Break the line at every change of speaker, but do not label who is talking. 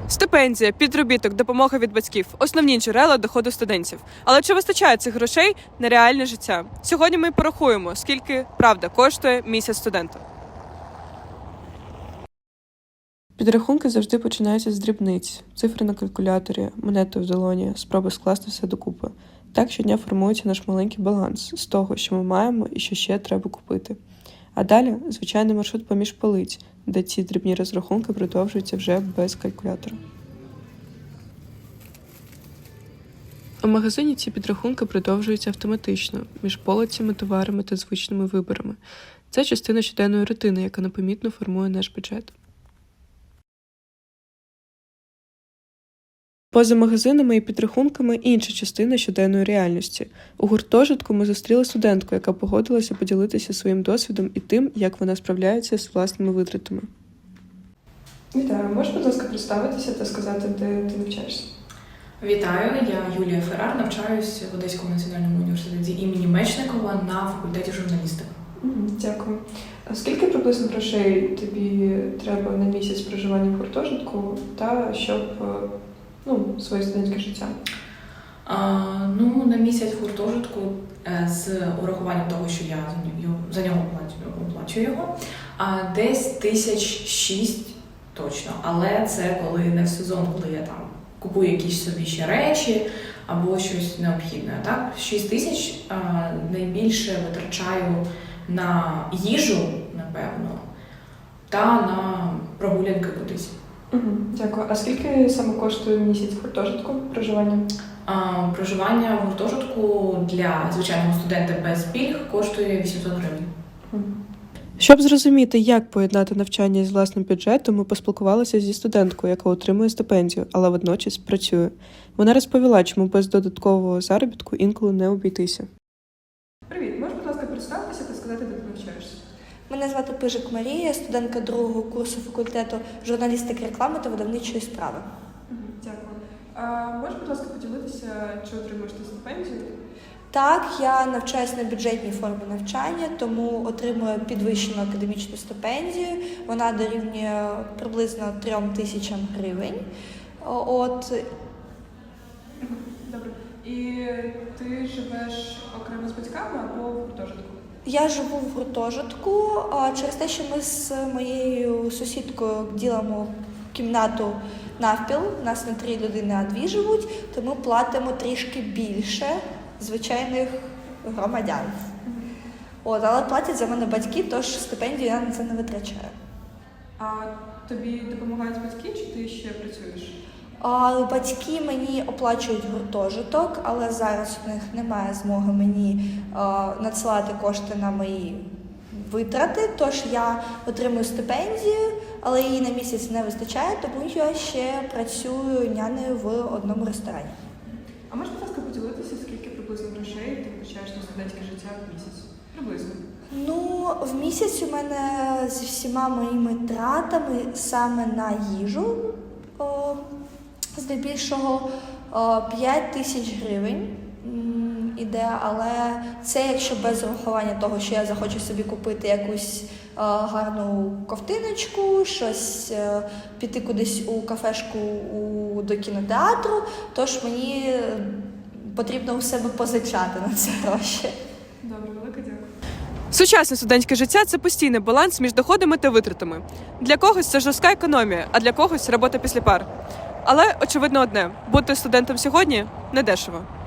Стипендія, підробіток, допомога від батьків – основні джерела доходу студентів. Але чи вистачає цих грошей на реальне життя? Сьогодні ми порахуємо, скільки, правда, коштує місяць студента. Підрахунки завжди починаються з дрібниць. Цифри на калькуляторі, монети в долоні, спроби скласти все докупи. Так щодня формується наш маленький баланс з того, що ми маємо і що ще треба купити. А далі – звичайний маршрут поміж полиць, де ці дрібні розрахунки продовжуються вже без калькулятора. У магазині ці підрахунки продовжуються автоматично, між полицями, товарами та звичними виборами. Це частина щоденної рутини, яка непомітно формує наш бюджет. Поза магазинами і підрахунками інша частина щоденної реальності. У гуртожитку ми зустріли студентку, яка погодилася поділитися своїм досвідом і тим, як вона справляється з власними витратами. Вітаю, можеш, будь ласка, представитися та сказати, де ти навчаєшся?
Вітаю, я Юлія Феррар, навчаюсь в Одеському національному університеті імені Мечникова на факультеті журналістики.
Дякую. А скільки приблизно грошей тобі треба на місяць проживання в гуртожитку та щоб своє студентське життя?
На місяць в гуртожитку з урахуванням того, що я за нього оплачую його, десь 1006 точно. Але це коли не в сезон, коли я там купую якісь собі ще речі або щось необхідне. Так? 6 тисяч найбільше витрачаю на їжу, напевно, та на прогулянки кудись.
Дякую. А скільки саме коштує місяць в гуртожитку проживання?
Проживання в гуртожитку для звичайного студента без пільг коштує 800 гривень.
Щоб зрозуміти, як поєднати навчання з власним бюджетом, ми поспілкувалися зі студенткою, яка отримує стипендію, але водночас працює. Вона розповіла, чому без додаткового заробітку інколи не обійтися. Привіт, можеш, будь ласка, представитися та сказати, де ти навчаєшся?
Мене звати Пижик Марія, студентка другого курсу факультету журналістики, реклами та видавничої справи.
Дякую. Можеш, будь ласка, поділитися, чи отримуєш ти стипендію?
Так, я навчаюся на бюджетній формі навчання, тому отримую підвищену академічну стипендію. Вона дорівнює приблизно 3 тисячам гривень.
Добре. І ти живеш окремо з батьками або в гуртожитку?
Я живу в гуртожитку через те, що ми з моєю сусідкою ділимо кімнату навпіл. У нас не 3 людини, а 2 живуть, то ми платимо трішки більше звичайних громадян. Але платять за мене батьки, тож стипендію я на це не витрачаю.
А тобі допомагають батьки, чи ти ще працюєш?
Батьки мені оплачують гуртожиток, але зараз у них немає змоги мені надсилати кошти на мої витрати, тож я отримую стипендію, але її на місяць не вистачає, тому я ще працюю нянею в одному ресторані.
А можеш, будь ласка, поділитися, скільки приблизно грошей ти витрачаєш на студентське життя в місяць? Приблизно.
В місяць у мене зі всіма моїми тратами саме на їжу здебільшого 5 тисяч гривень іде, але це якщо без урахування того, що я захочу собі купити якусь гарну ковтиночку, щось піти кудись у кафешку до кінотеатру, тож мені потрібно у себе позичати на це гроші.
Добре, велике дякую. Сучасне студентське життя – це постійний баланс між доходами та витратами. Для когось це жорстка економія, а для когось – робота після пар. Але очевидно одне – бути студентом сьогодні – недешево.